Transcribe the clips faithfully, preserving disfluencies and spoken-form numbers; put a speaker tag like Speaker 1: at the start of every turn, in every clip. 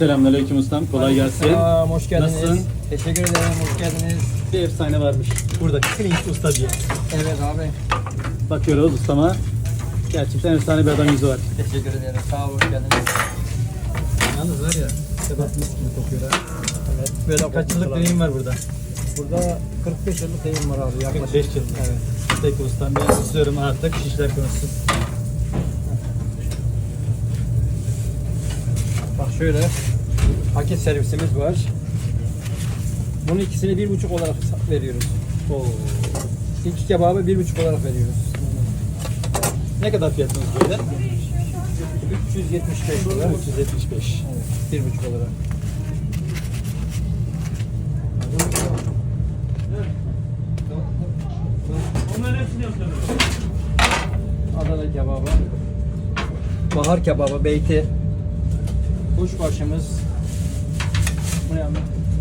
Speaker 1: Selamünaleyküm ustam. Kolay gelsin.
Speaker 2: Selam, hoş geldiniz.
Speaker 1: Nasılsın?
Speaker 2: Teşekkür ederim, hoş geldiniz.
Speaker 1: Bir efsane varmış. Burada Klinç Usta diye.
Speaker 2: Evet abi,
Speaker 1: Bakıyoruz ustama. Gerçekten efsane bir adam yüzü var.
Speaker 2: teşekkür ederim. Sağ ol, hoş geldiniz.
Speaker 1: Yalnız var ya, kebap mis gibi kokuyor ha.
Speaker 2: Evet.
Speaker 1: Böyle kaç yıllık deneyim var burada?
Speaker 2: Burada kırk beş yıllık deyim var abi yaklaşık.
Speaker 1: kırk beş yıllık.
Speaker 2: Evet.
Speaker 1: Peki ustam, ben susuyorum artık. Şişler konuşsun.
Speaker 2: Bak şöyle, paket servisimiz var. Bunun ikisini bir buçuk olarak veriyoruz.
Speaker 1: Oo.
Speaker 2: İki kebabı bir buçuk olarak veriyoruz.
Speaker 1: Ne kadar fiyatınız böyle?
Speaker 2: üç yüz yetmiş beş lira.
Speaker 1: üç yüz yetmiş beş.
Speaker 2: Evet, bir buçuk olarak.
Speaker 3: Onların hepsini yapıyorum.
Speaker 2: Adana kebabı, bahar kebabı, beyti, kuşbaşımız. Bu ne abi?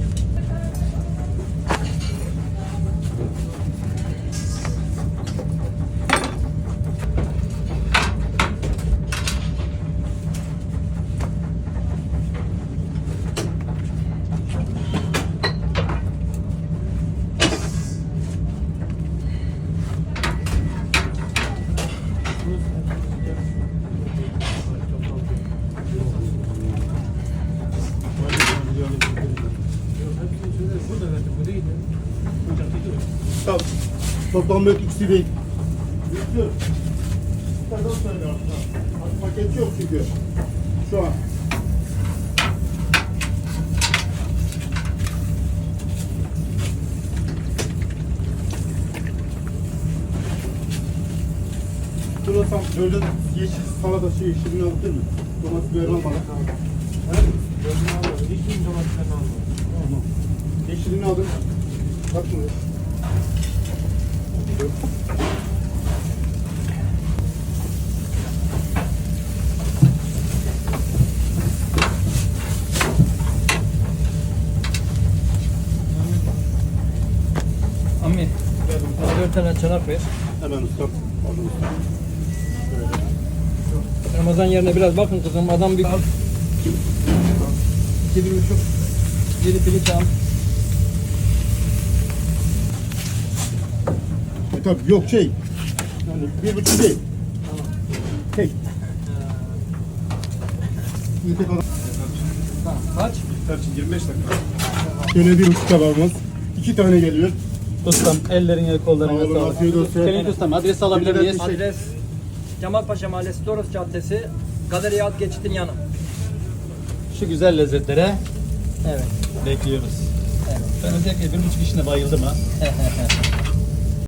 Speaker 4: Tamam. Toplam böyle ikisi değil. Yüklü. Yukarıdan söyle aslında. Paket yok çünkü. Şu an. Şurasam böyle yeşil salata şey yeşilini alabilir mi? Domates biber almadan.
Speaker 3: Yeşil domateslerini almadım.
Speaker 4: Tamam. Yeşilini aldım. Bakma.
Speaker 2: Ammi, bana dört tane çanak ver.
Speaker 4: Hemen ustam. Aldım ustam.
Speaker 2: Ramazan yerine biraz bakın kızım, adam bir... İki bir buçuk, yedi pirinç al.
Speaker 4: E tabii yok şey. Yani bir buçuk değil. Tek. Bir tek adam.
Speaker 2: Tamam, kaç?
Speaker 4: Tarçın yirmi beş dakika. Şöyle bir buçuk tabağımız. İki tane geliyor.
Speaker 1: Ustam, ellerine kollarına
Speaker 4: Sağ olun,
Speaker 1: sağlık.
Speaker 4: afiyet olsun.
Speaker 1: Klinç ustam, adresi alabilir miyiz?
Speaker 2: Adres Kemalpaşa Mahallesi, Toros Caddesi, Galeriya Alt Geçit'in yanı.
Speaker 1: Şu güzel lezzetlere
Speaker 2: Evet.
Speaker 1: bekliyoruz.
Speaker 2: Evet.
Speaker 1: Ben özellikle bir buçuk işine bayıldım ha.